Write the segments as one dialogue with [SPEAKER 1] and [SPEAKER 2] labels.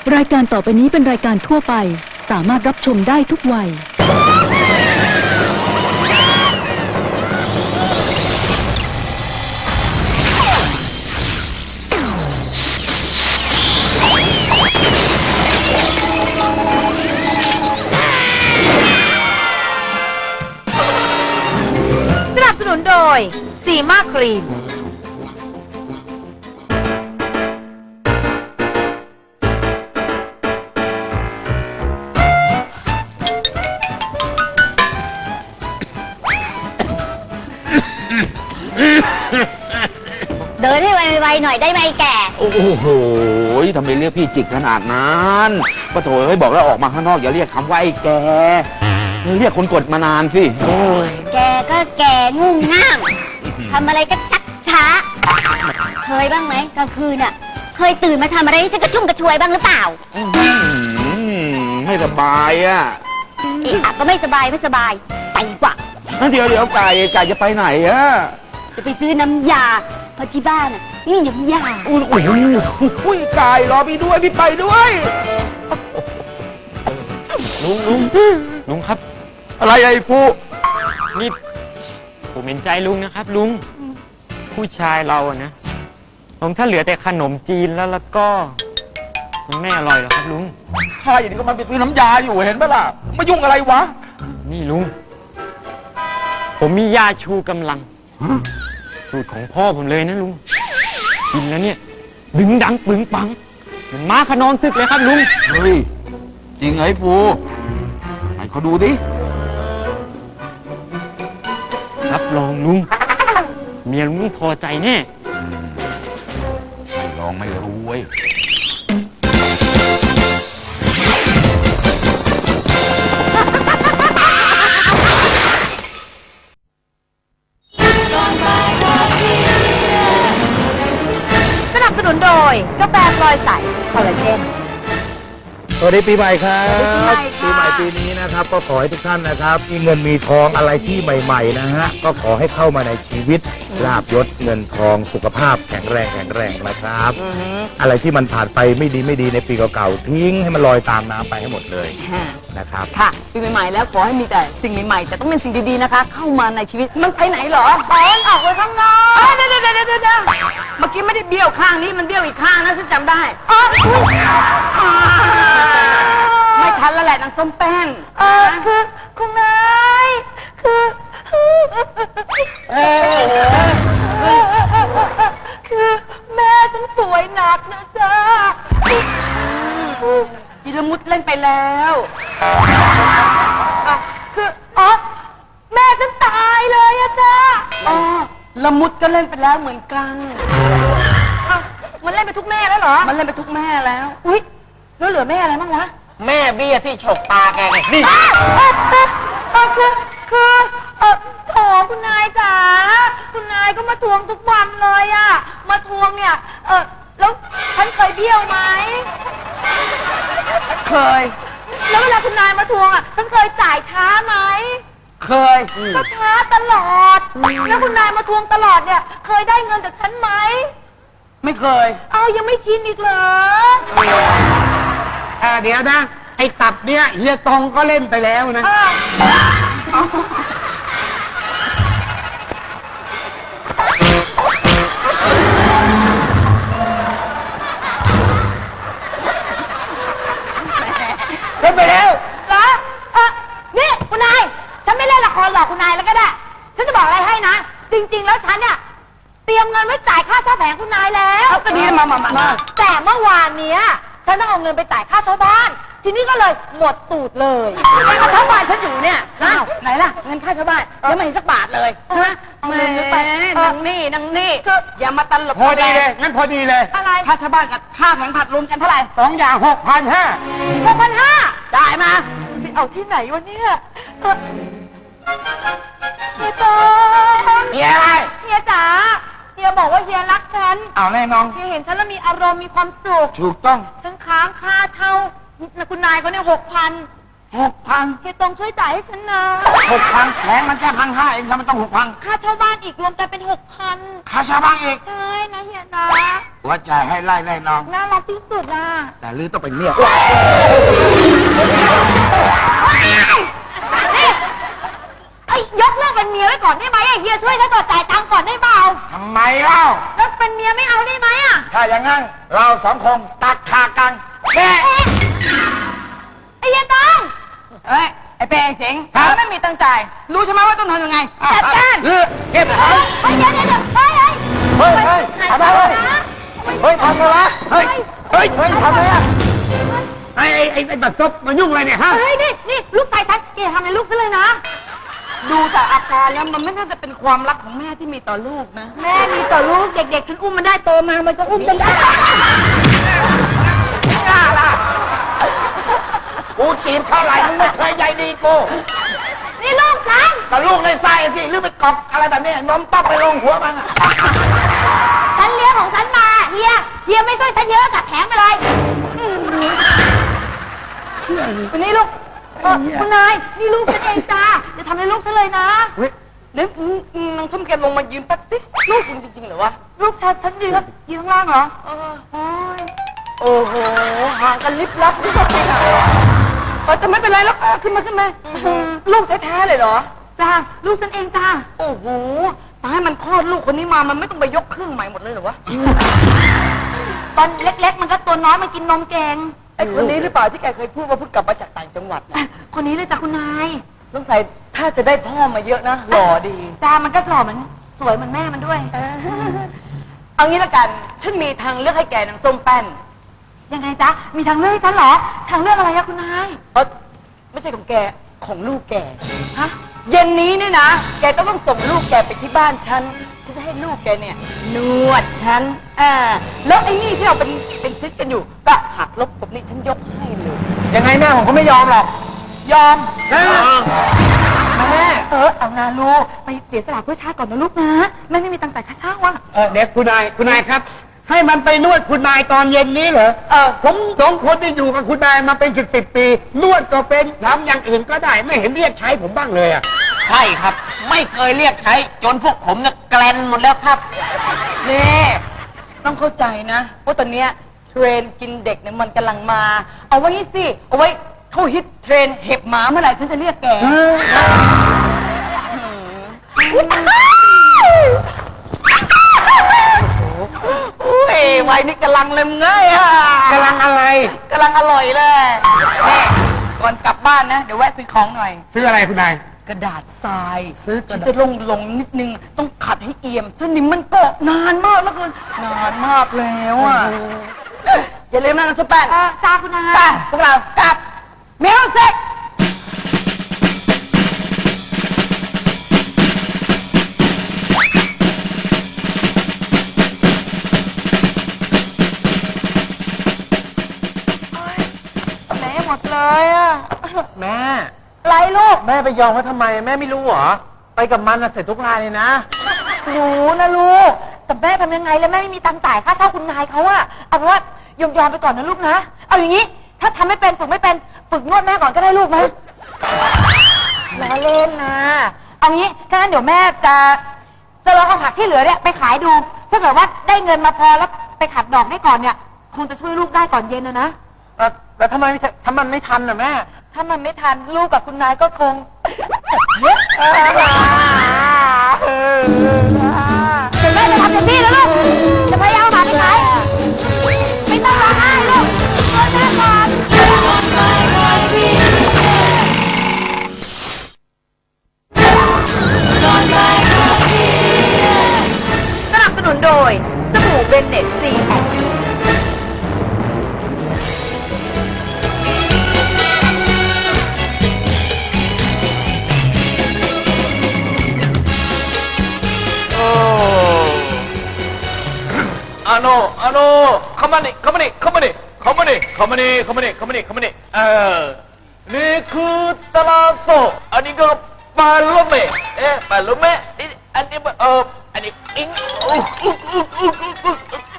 [SPEAKER 1] รายการต่อไปนี้เป็นรายการทั่วไปสามารถรับชมได้ทุกวัย
[SPEAKER 2] สนับสนุนโดยซีมาครีม
[SPEAKER 3] เดินให้ไวๆหน่อยได้ไหมแก
[SPEAKER 4] โอ้โหทำไมเรียกพี่จิกขนาดนั้นก็โถเฮ้ยบอกแล้วออกมาข้างนอกอย่าเรียกคำว่าไอ้แกเรียกคนกดมานานสิโอ้ย
[SPEAKER 3] แกก็แกงุ่งง่ามทำอะไรก็ชักช้าเคยบ้างไหมกลางคืนอ่ะเคยตื่นมาทำอะไรให้ฉันกระชุ่มกระชวยบ้างหรือเปล่า
[SPEAKER 4] ไม่สบายอ่ะ
[SPEAKER 3] เอ๊ะก็ไม่สบายไม่สบายไปดีกว่า
[SPEAKER 4] เดี๋ยวไก่จะไปไหนอ่ะ
[SPEAKER 3] จะไปซื้อน้ำยาเพราะที่บ้านอ่ะไม่มีน้ำยา
[SPEAKER 4] อุ้ยไก่รอพี่ด้วยพี่ไปด้วย
[SPEAKER 5] ลุงครับ
[SPEAKER 4] อะไรไอ้ฟู
[SPEAKER 5] นี่ผมเห็นใจลุงนะครับลุงผู้ชายเราอะนะผมถ้าเหลือแต่ขนมจีนแล้วก็มันไม่อร่อยหรอกครับลุง
[SPEAKER 4] ใช่อย่างนี้ก็มันเป็นน้ำยาอยู่เห็นปะล่ะมายุ่งอะไรวะ
[SPEAKER 5] นี่ลุงผมมียาชูกำลังสูตรของพ่อผมเลยนะลุงกินแล้วเนี่ยดึงดังปึงปังเหมือนม้าขนองศึกเลยครับลุง
[SPEAKER 4] เฮ้ยจริงไอ้ฟูไหนเขาดูดิ
[SPEAKER 5] รับรองลุงเมียลุงพอใจแน่
[SPEAKER 4] ไม่ลองไม่รู้เว้ย
[SPEAKER 2] สนับสนุนโดยกาแฟพลอยใสคอลลาเจน
[SPEAKER 6] สวัสดีปีใหม่ครับ
[SPEAKER 2] สวัสดีปีใหม่ค่ะ
[SPEAKER 6] ปีนี้นะครับก็ขอให้ทุกท่านนะครับมีเงินมีทองอะไรที่ใหม่ๆนะฮะก็ขอให้เข้ามาในชีวิตลาบยศเงินทองสุขภาพแข็งแรงนะครับ อะไรที่มันผ่านไปไม่ดีในปีเก่าๆทิ้งให้มันลอยตามน้ำไปให้หมดเลยนะครับ
[SPEAKER 7] ค่ะปีใหม่ๆแล้วขอให้มีแต่สิ่งใหม่ๆแต่ต้องเป็นสิ่งดีๆนะคะ เข้ามาในชีวิตมันไปไหนเหรอออกไปข้างนอกเดี๋ยวเมื่อกี้ไม่ได้เบี้ยวข้างนี้มันเบี้ยวอีกข้างนะฉันจำได้ไม่ทันแล้วแหละนางส้มแป้นคือคุณนายคือแม่ฉันป่วยหนักนะจ๊ะอีละมุดเล่นไปแล้วคือแม่ฉันตายเลยอะจ้าละมุดก็เล่นไปแล้วเหมือนกันมันเล่นไปทุกแม่แล้วเหรอมันเล่นไปทุกแม่แล้วอุ้ยแล้วเหลือแม่อะไรบ้างวะแม่เบี้ยที่ฉกตาแกไงนี่คือโถคุณนายจ๋าคุณนายก็มาทวงทุกวันเลยอะมาทวงเนี่ยแล้วฉันเคยเบี้ยวไหมเคยแล้วเวลาคุณนายมาทวงอะฉันเคยจ่ายช้าไหมเคยก็ช้าตลอดแล้วคุณนายมาทวงตลอดเนี่ยเคยได้เงินจากฉันไหมไม่เคยเอายังไม่ชินอีกเหรอ
[SPEAKER 6] เดี๋ยวนะไอ้ตับเนี่ยเฮียตองก็เล่นไปแล้วนะเล่นไปแล้ว
[SPEAKER 2] เหรอนี่คุณนายฉันไม่เล่นละครหรอกคุณนายแล้วก็ได้ฉันจะบอกอะไรให้นะจริงๆแล้วฉันเนี่ยเตรียมเงินไว้จ่ายค่าเช่าแผงคุณนายแล้ว
[SPEAKER 7] ก็ดีมา
[SPEAKER 2] แต่เมื่อวานเนี้ยฉันต้องเอาเงินไปจ่ายค่าเช่าบ้านทีนี้ก็เลยหมดตูดเลยก็ทั้งวันฉันอยู่เนี่ยไหนล่ะเงินค่าเช่าบ้านยังไม่เห็นสักบาทเลยใช่ไหมเอาเงินไปนางนี่อย่ามาตลก
[SPEAKER 6] พอดีเลยงั้นพอดีเลย
[SPEAKER 2] อะไร
[SPEAKER 7] ค่าชาวบ้านกับค่าแผงผัดรวมกันเท่าไหร่
[SPEAKER 6] 2 อย่าง 6,500
[SPEAKER 2] 6,500จ่ายมาจะไปเอาที่ไหนวะเนี่ยเฮียตองเฮียอะไรเฮียจ๋าเฮียบอกว่าเฮียรักฉัน
[SPEAKER 6] เอาแน่นอน
[SPEAKER 2] เฮียเห็นฉันแล้วมีอารมณ์มีความสุข
[SPEAKER 6] ถูกต้อง
[SPEAKER 2] ฉันค้างค่าเช่าคุณนายเขาเนี่ย6,000
[SPEAKER 6] 6,000
[SPEAKER 3] เฮียตรงช่วยจ่ายให้ฉันนะ
[SPEAKER 6] 6,000แพงมันแค่1,500เองทำไมต้อง 6,000
[SPEAKER 3] ค่าเช่าบ้านอีกรวมกันเป็น
[SPEAKER 6] ค่าเช่าบ้านอีก
[SPEAKER 3] 6,000 ใช่นะเฮียนะ
[SPEAKER 6] หัวใจให้ไล่ไล่น้อง
[SPEAKER 3] น่ารักที่สุดนะ
[SPEAKER 6] แต่ลือต้องเป็นเมีย
[SPEAKER 3] ไอ้ยยกเลิกเป็นเมียไว้ก่อนได้ไหมไอ้เฮียช่วยฉันก่อนจ่ายตังค์ก่อนได้เปล่า
[SPEAKER 6] ทำไมเล่า
[SPEAKER 3] แล้วเป็นเมียไม่เอาได้ไหมอ่ะ
[SPEAKER 6] ถ้าอย่างงั้นเราสองคงตัดขากันแช่
[SPEAKER 3] ไอ้เฮียตอง
[SPEAKER 2] เฮ้ย ไอ้เปย์ไอ้เสง
[SPEAKER 6] ครับ
[SPEAKER 2] ไม่มีตังค์จ่าย รู้ใช่ไหมว่าต้องทำยังไง
[SPEAKER 3] จัดการ
[SPEAKER 6] เก็บ
[SPEAKER 3] เฮ้ยเดี๋ยวเฮ้ย
[SPEAKER 6] เฮ้ยเฮ้ยทำอะไรเฮ้ยทำอะไรวะเฮ้ยเฮ้ยเฮ้ยทำอะไรอะไอ้บัตรซบมายุ่งอะไรเนี่ยฮะ
[SPEAKER 3] เฮ้ยนี่ลูกชายฉันแกทำอะไรลูกฉันเลยนะ
[SPEAKER 2] ดูจากอาการแล้วมันไม่น่าจะเป็นความรักของแม่ที่มีต่อลูกนะ
[SPEAKER 3] แม่มีต่อลูกเด็กๆ ฉันอุ้มมันได้โตมามันก็อุ้มฉันได้
[SPEAKER 6] กูจีบเท่าไหร่มึงไม่เคยใยดีกู
[SPEAKER 3] นี่ลูกฉัน
[SPEAKER 6] แต่ลูกในไส้สิหรือไปกอกอะไรแบบนี้นมต๊อกไปลงหัวมันอะ
[SPEAKER 3] ฉันเลี้ยงของฉันมาเฮียไม่ช่วยฉันเยอะกับแผงไปเลย
[SPEAKER 2] วันนี้ลูก
[SPEAKER 3] คุณนายนี่ลูกฉันเองจ้าอย่าทำอะไรลูกฉันเลยนะ
[SPEAKER 2] เดี๋ยวน้องส้มแกลงมายืนแป๊บดิลูกคุณจริงๆเหรอวะ
[SPEAKER 3] ลูกฉันยืนข้างล่างเหรอโอ้ย
[SPEAKER 2] โอ้โห ห่างกันลิบลับที่จะไปไหนแต่ไม่เป็นไรแล้วขึ้นมาลูกแท้ๆเลยเหรอ
[SPEAKER 3] จ้าลูกฉันเองจ้า
[SPEAKER 2] โอ้โหตายมันคลอดลูกคนนี้มา มันไม่ต้องไปยกเครื่องใหม่หมดเลยเหรอวะ
[SPEAKER 3] ตอนเล็กๆ มันก็ตัวน้อยมันกินนมเก่ง
[SPEAKER 2] ไอ้คนนี้หรือเปล่าที่แกเคยพูดว่าเพิ่งกลับมาจากต่างจังหวัดน่ะ
[SPEAKER 3] คนนี้เลยจ้าคุณนาย
[SPEAKER 2] สงสัยถ้าจะได้พ่อมาเยอะนะ หล่อดี
[SPEAKER 3] จ้ามันก็หล่อเหมือนสวยเหมือนแม่มันด้วย
[SPEAKER 2] เอางี้ละกัน ฉันมีทางเลือกให้แกนางส้มแป้น
[SPEAKER 3] ยังไงจ๊ะมีทางเลือกให้ฉันเหรอทางเลือกอะไรอะคุณนาย
[SPEAKER 2] ไม่ใช่ของแก ของลูกแก ฮะ เย็นนี้เนี่ยนะ แกก็ต้องส่งลูกแกไปที่บ้านฉัน ฉันจะให้ลูกแกเนี่ย นวดฉัน แล้วไอ้นี่ที่เราเป็นซิสกันอยู่ ก็หักลบกับนี่ฉันยกให้เลย
[SPEAKER 6] ยังไงแม่ผมก็ไม่ยอมหรอก
[SPEAKER 2] ยอม
[SPEAKER 6] แม่
[SPEAKER 3] เอานาลูกไปเสียสละเพื่อชาติก่อนนะลูกนะแม่ไม่มีตังค์จ่ายค่าเช่าว่ะ
[SPEAKER 6] เด็กคุณนายครับ ให้มันไปนวดคุณนายตอนเย็นนี้เหรอผมสองคนที่อยู่กับคุณนายมาเป็น10 ปี นวดก็เป็นทำอย่างอื่นก็ได้ไม่เห็นเรียกใช้ผมบ้างเลยอะ
[SPEAKER 4] ใช่ครับ ไม่เคยเรียกใช้ จนพวกผมเนี่ยแกลนหมดแล้วครับ
[SPEAKER 2] นี่ต้องเข้าใจนะว่าตอนเนี้ยเทรนกินเด็กเนี่ยมันกำลังมา เอาไว้นี่สิ เอาไว้เขาฮิตเทรนเห็บหมาเมื่อไหร่ฉันจะเรียกแก อุ้ยวัยนี้กำลังเลยมึงเอ้ยอะ
[SPEAKER 6] กำลังอะไร
[SPEAKER 2] กำลังอร่อยเลยนี่ก่อนกลับบ้านนะ เดี๋ยวแวะซื้อของหน่อย
[SPEAKER 6] ซื้ออะไรคุณนาย
[SPEAKER 2] กระดาษทราย
[SPEAKER 6] ซื้อกระดาษ
[SPEAKER 2] ที่จะลงนิดนึง ต้องขัดให้เอี่ยมสนิมมันเกาะนานมากแล้วคุณนานมากแล้วอ่ะอย่าลืมนะน้ำซุปแป้น
[SPEAKER 3] จ้าคุณนาย
[SPEAKER 2] ไปพวกเรากลับเมลเซ็กไหนหมดเลยอ่ะ
[SPEAKER 5] แม่
[SPEAKER 2] ไรลูก
[SPEAKER 5] แม่ไปยอมเขาทำไม แม่ไม่รู้เหรอ ไปกับมันนะเสร็จทุกรายเลยนะ
[SPEAKER 3] รู้นะลูกแต่แม่ทำยังไงแล้วแม่ไม่มีตังค์จ่ายค่าเช่าคุณนายเขาอะเอาเป็นว่ายอมไปก่อนนะลูกนะเอาอย่างนี้ ถ้าทำไม่เป็นฝึกไม่เป็นฝึกนวดแม่ก่อนก็ได้ลูกนะล้อเล่นนะเอางี้ถ้างั้นเดี๋ยวแม่จะลองเอาผักที่เหลือเนี่ยไปขายดู ถ้าเกิดว่าได้เงินมาพอแล้วไปขัดดอกได้ก่อนเนี่ย คงจะช่วยลูกได้ก่อนเย็นนะ
[SPEAKER 5] แล้วทำไมถ้ามันไม่ทันน่ะแม่
[SPEAKER 3] ถ้ามันไม่ทันลูกกับคุณนายก็คงเดี๋ยวแม่จะทำเต็มที่แล้วลูกจะพยายามหาไปขายไม่ต้องร้องไห้ลูกช่วยแม่ก่อน
[SPEAKER 2] สนับสนุนโดยสบู่เบนเน็ตซีแอน
[SPEAKER 4] อาโนเข้ามานี่นี่คือตลาดโตอันนี้ก็ปลาลูกเมะปลาลูกเมะนี่อันนี้อันนี้อิง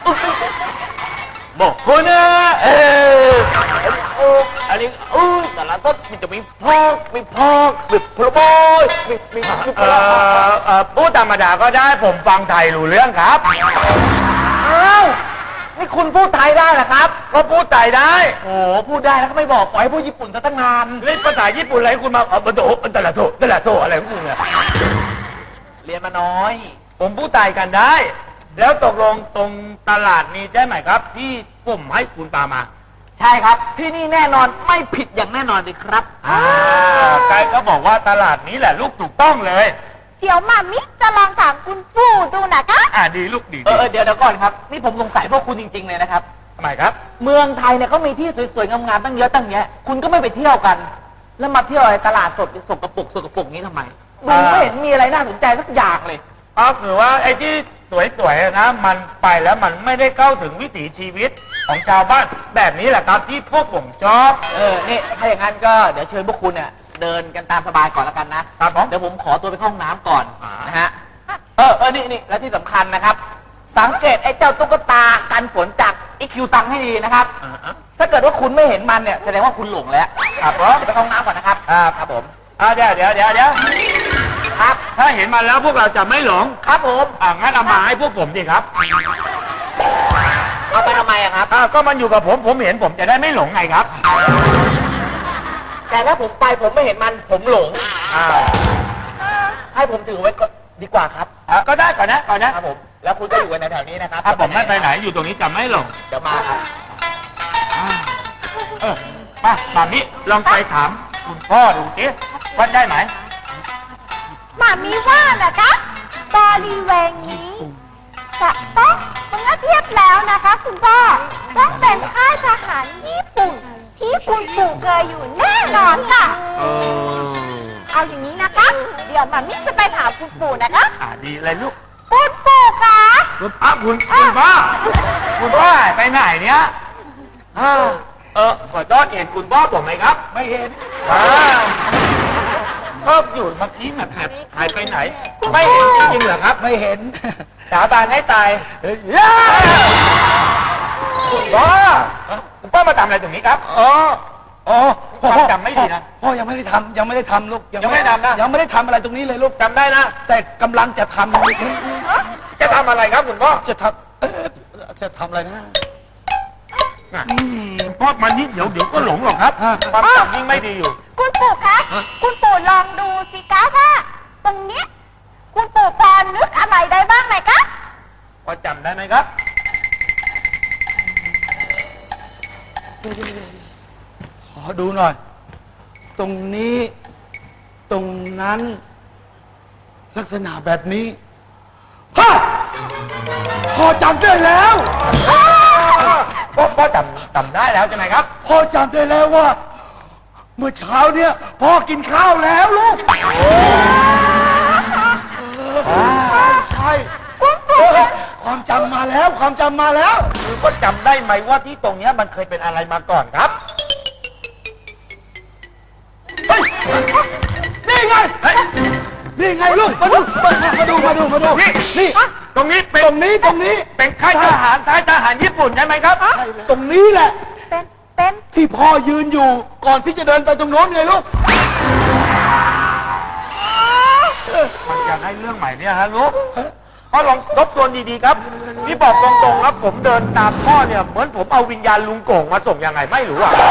[SPEAKER 4] บอกคนนะอันนี้ตล
[SPEAKER 6] แล้วก็มันจะมีพอกมีพลบอยมีพูดธรรมดาก็ได้ผมฟังไทยรู้เรื่องครับอ้าวนี่คุณพูดไทยได้เหรอครับก็พูดไทยได้โอ้พูดได้แล้วก็ไม่บอกปล่อยให้พูดญี่ปุ่นซะตั้งนานเล่นภาษาญี่ปุ่นอะไรคุณมาบันโตตะละโตอะไรของคุณเนี่ยเรียนมาน้อย ผมพูดไทยกันได้ แล้วตกลงตรงตลาดนี้ใช่ไหมครับที่ผมให้คุณปามาใช่ครับที่นี่แน่นอนไม่ผิดอย่างแน่นอนเลยครับใครก็บอกว่าตลาดนี้แหละลูกถูกต้องเลย
[SPEAKER 3] เดี๋ยวมามิจะลองถามคุณปู่ดูนะคะ
[SPEAKER 6] ดีลูกดี
[SPEAKER 2] เดี๋ยวก่อนครับนี่ผมสงสัยพวกคุณจริงๆเลยนะครับ
[SPEAKER 6] ทำไมครับ
[SPEAKER 2] เมืองไทยเนี่ยเขามีที่สวยๆงามๆตั้งเยอะตั้งแยะคุณก็ไม่ไปเที่ยวกัน แล้วมาเที่ยวอะไรตลาดสดสกปรกนี้ทำไมดูไม่เห็นมีอะไรน่าสนใจสักอย่างเลย
[SPEAKER 6] ครับหรือว่าไอ้ที่สวยๆนะมันไปแล้วมันไม่ได้เข้าถึงวิถีชีวิตของชาวบ้านแบบนี้แหละครับที่พวกผมชอบ
[SPEAKER 2] นี่ถ้าอย่างนั้นก็เดี๋ยวเชิญพวกคุณเนี่ยเดินกันตามสบายก่อนแล้วกันนะครับ
[SPEAKER 6] ผม
[SPEAKER 2] เดี๋ยวผมขอตัวไปเข้าห้องน้ำก่อน
[SPEAKER 6] อ่าน
[SPEAKER 2] นะฮะนี่แล้วที่สำคัญนะครับ สังเกตไอ้เจ้าตุ๊กตากันฝนจากอีคิวซังให้ดีนะครับ ถ้าเกิดว่าคุณไม่เห็นมันเนี่ยแสดงว่าคุณหลงแล้ว
[SPEAKER 6] ครับผม
[SPEAKER 2] เดี๋ยวไปเข้าห้องน้ำก่อนนะครับครับผม
[SPEAKER 6] เดี๋ยวครับถ้าเห็นมันแล้วพวกเราจะไม่หลง
[SPEAKER 2] ครับผม
[SPEAKER 6] งั้นเอามาให้พวกผมดิครับ
[SPEAKER 2] เอาไปทำไมอะครับ
[SPEAKER 6] ก็มันอยู่กับผมเห็นผมจะได้ไม่หลงไงครับ
[SPEAKER 2] แต่ถ้าผมไปผมไม่เห็นมันผมหลง ให้ผมถือไว้ก็ดีกว่าครับ
[SPEAKER 6] ก็ได้ก่อนนะครับ
[SPEAKER 2] ผมแล้วคุณก็อยู่กันแถวๆนี้นะครับ
[SPEAKER 6] ถ้าผมไม่ไปไหนอยู่ตรงนี้จะไม่หลง
[SPEAKER 2] เดี๋ยวมาครับ
[SPEAKER 6] มาแบบนี้ลองไปถามคุณพ่อดูสิว่าได้ไหม
[SPEAKER 3] หมามีว่านะคะบริเวณนี้จะต้องเมื่อเทียบแล้วนะคะคุณพ่อต้องเป็นค่ายทหารญี่ปุ่นที่คุณปู่เคยอยู่แน่นอนค่ะ เอาอย่างนี้นะคะ เดี๋ยวหมามิจะไปถามคุณปู่นะคะ
[SPEAKER 6] ดีเลยลูก
[SPEAKER 3] คุณปู่คะ
[SPEAKER 6] คุณพ่อไปไหนเนี่ยขอโทษเห็นคุณพ่อผมไหมครับ ไม่เห็นก็อยู่เมื่อกี้แบบหายไปไหน ไม่เห็นจริงๆเหรอครับ ไม่เห็นสาบานให้ตายคุณพ่อมาทำอะไรตรงนี้ครับพ่อจำไม่ดีนะ
[SPEAKER 8] พ่อยังไม่ได้ทำลูก
[SPEAKER 6] ยังไม่ได้ทำนะ
[SPEAKER 8] ยังไม่ได้ทำอะไรตรงนี้เลยลูก
[SPEAKER 6] จำได้นะ
[SPEAKER 8] แต่กำลังจะทำ
[SPEAKER 6] จะทำอะไรครับคุณพ่อ
[SPEAKER 8] จะทำอะไรนะ
[SPEAKER 6] พ่อมันนิดเดี๋ยวก็หลงหรอกครับความจำยิ่งไม่ดีอยู่
[SPEAKER 3] คุณปู่คะคุณปู่ลองดูสิคะว่าตรงเนี้ยคุณปู่พอนึกอะไรได้บ้างไหมคะ
[SPEAKER 6] พอจำได้ไหมครับ
[SPEAKER 8] ขอดูหน่อย ตรงนี้ตรงนั้น ลักษณะแบบนี้ฮะพอจำได้แล้ว
[SPEAKER 6] พ่อจำได้แล้วใช่ไหมครับ
[SPEAKER 8] พ่อจำได้แล้วว่า เมื่อเช้าเนี่ยพ่อกินข้าวแล้วลูกใช่ความจำมาแล้วความจำมาแล้ว
[SPEAKER 6] คือก็จำได้ไหมว่าที่ตรงเนี้ยมันเคยเป็นอะไรมาก่อนครับ
[SPEAKER 8] เฮ้ยนี่ไงนี่ไงลูกมาดูนี่
[SPEAKER 6] ตรงนี้เป็น
[SPEAKER 8] ตรงนี้
[SPEAKER 6] เป็นค่ายทหารญี่ปุ่นใช่ไหมครับ
[SPEAKER 8] ตรงนี้แหละ
[SPEAKER 3] เป็น
[SPEAKER 8] ที่พ่อยืนอยู่ก่อนที่จะเดินไปตรงโน้นไงลูก
[SPEAKER 6] มันจะให้เรื่องใหม่เนี่ยฮะลูกพ่อลองทบทวนดีๆครับนี่บอกตรงๆครับผมเดินตามพ่อเนี่ยเหมือนผมเอาวิญญาณลุงโก่งมาส่งยังไงไม่รู้อ่ะ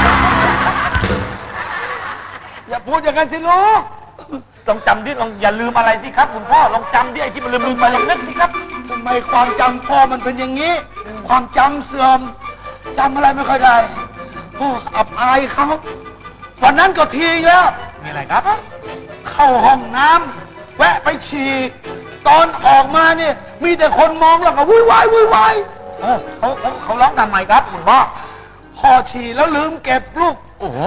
[SPEAKER 8] อย่าพูดอย่างนั้นสิลูก
[SPEAKER 6] ลองจำดิลองอย่าลืมอะไรสิครับคุณพ่อลองจำดิไอ้ที่มันลืมไปลองนึกสิครับ
[SPEAKER 8] ทำไมความจำพ่อมันเป็นอย่างนี้ ความจำเสื่อมจำอะไรไม่ค่อยได้โอ้อับอายเขาวันนั้นก็ทีแล้ว
[SPEAKER 6] มีอะไรครับ
[SPEAKER 8] เข้าห้องน้ำแวะไปฉี่ตอนออกมาเนี่ยมีแต่คนมองแล้วก็วุ่นวาย
[SPEAKER 6] เขาร้องทำไมครับคุณพ่อ
[SPEAKER 8] พ่อฉี่แล้วลืมเก็บลูก
[SPEAKER 6] โอ้โห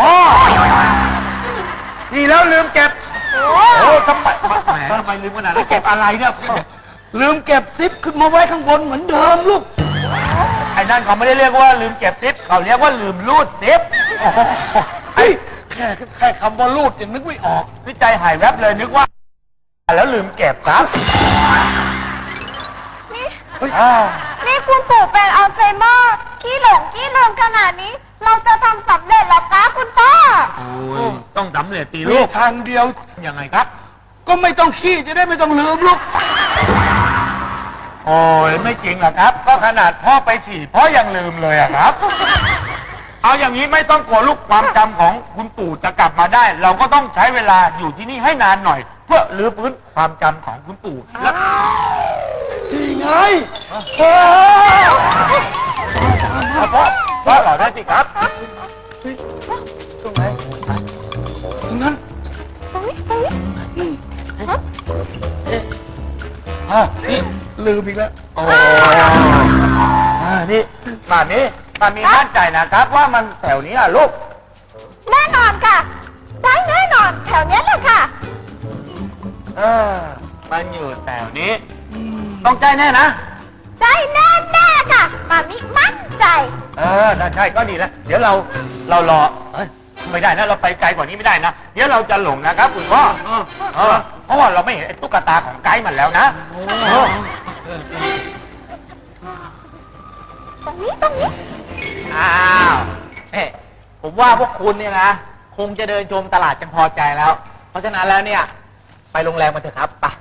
[SPEAKER 6] ทีแล้วลืมเก็บโอ้ทำไมลืมขนาดนั้นเก็บอะไรเนี่ย
[SPEAKER 8] ลืมเก็บซิปขึ้นมาไว้ข้างบนเหมือนเดิมลูก
[SPEAKER 6] ไอ้นั่นเขาไม่ได้เรียกว่าลืมเก็บซิปเขาเรียกว่าลืมรูดซิป
[SPEAKER 8] เฮ้ยแค่คำว่ารูดยังนึกไม่ออก
[SPEAKER 6] วิจัยหายแวบเลยนึกว่าแล้วลืมเก็บครับ
[SPEAKER 3] นี่คุณปู่เป็นอัลไซเมอร์ขี้หลงขี้ลืมขนาดนี้ เราจะทำสำเร็จหรอคะคุณพ่อ
[SPEAKER 6] โอ้เด็จตี
[SPEAKER 8] มี
[SPEAKER 6] ลูก
[SPEAKER 8] ทางเดียว
[SPEAKER 6] ยังไงครับ
[SPEAKER 8] ก็ไม่ต้องขี้จะได้ไม่ต้องลืมลูก
[SPEAKER 6] โอ้ยไม่จริงหรอกครับ ก็ขนาดพ่อไปฉี่พ่อยังลืมเลยอะครับ เอาอย่างนี้ไม่ต้องกลัวลูกความจำของคุณปู่จะกลับมาได้ เราก็ต้องใช้เวลาอยู่ที่นี่ให้นานหน่อย เพื่อรื้อฟื้นความจำของคุณปู่และ
[SPEAKER 8] นี่ไง
[SPEAKER 6] พ่อเราได้สิครับ
[SPEAKER 8] ตรงไหนตรงนั้น นี่ลืมอีกแล้ว
[SPEAKER 6] โอ้นี่มามีมั่นใจนะครับว่ามันแถวนี้อะลูก
[SPEAKER 3] แน่นอนค่ะใช่แน่นอนแถวเนี้ยเลยค่ะ
[SPEAKER 6] มันอยู่แถวนี้ ต้องใจแน่นะ
[SPEAKER 3] ใจแน่แน่ค่ะมามิมั่นใจ
[SPEAKER 6] ถ้าใช่ก็ดีแล้ว เดี๋ยวเรารอไม่ได้นะ เราไปไกลกว่านี้ไม่ได้นะ เดี๋ยวเราจะหลงนะครับคุณพ่อเพราะว่าเราไม่เห็นไอ้ตุ๊กตาของไกด์มันแล้วนะ
[SPEAKER 3] ตรงนี้
[SPEAKER 7] อ้าวผมว่าพวกคุณเนี่ยนะ คงจะเดินชมตลาดกันพอใจแล้ว เพราะฉะนั้นแล้วเนี่ย ไปโรงแรมกันเถอะครับไป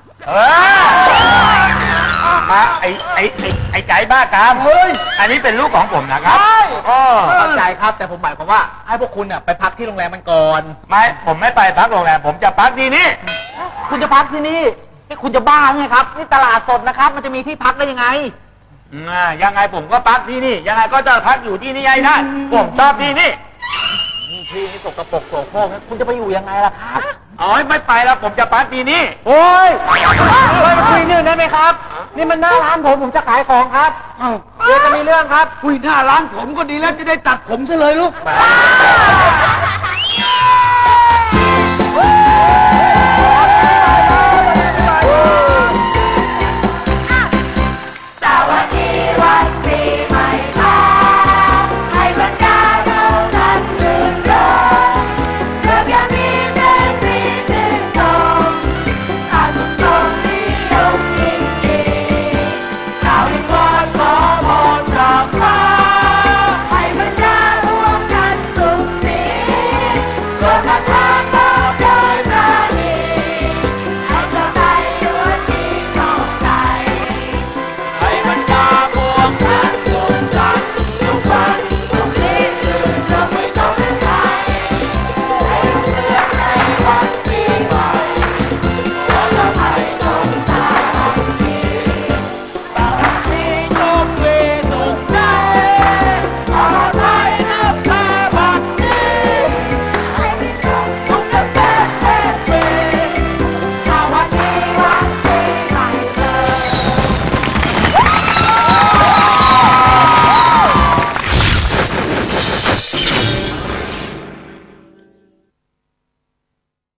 [SPEAKER 6] มาไอ้ไก่บ้ากามอันนี้เป็นลูกของผมนะครับ
[SPEAKER 7] เข้าใจครับ แต่ผมหมายความว่าให้พวกคุณเนี่ยไปพักที่โรงแรมมันก่อน
[SPEAKER 6] ผมไม่ไปพักโรงแรม ผมจะพักที่นี่
[SPEAKER 7] คุณจะพักที่นี่นี่คุณจะบ้าไงครับนี่ตลาดสดนะครับ มันจะมีที่พักได้ยังไง
[SPEAKER 6] ยังไงผมก็พักที่นี่ ยังไงก็จะพักอยู่ที่นี่ให้ได้ผมชอบที่นี่
[SPEAKER 7] ที่นี่สกปรกโสโครกนะคุณจะไปอยู่ยังไงล่ะครับ
[SPEAKER 6] ไม่ไปแล้วผมจะพักที่นี่
[SPEAKER 7] โอ้ยมาคุยเรื่องได้ไหมครับ นี่มันหน้าร้านผมจะขายของครับเดี๋ยวจะมีเรื่องครับ
[SPEAKER 8] คุยหน้าร้านผมก็ดีแล้วจะได้ตัดผมซะเลยลูก
[SPEAKER 6] ไ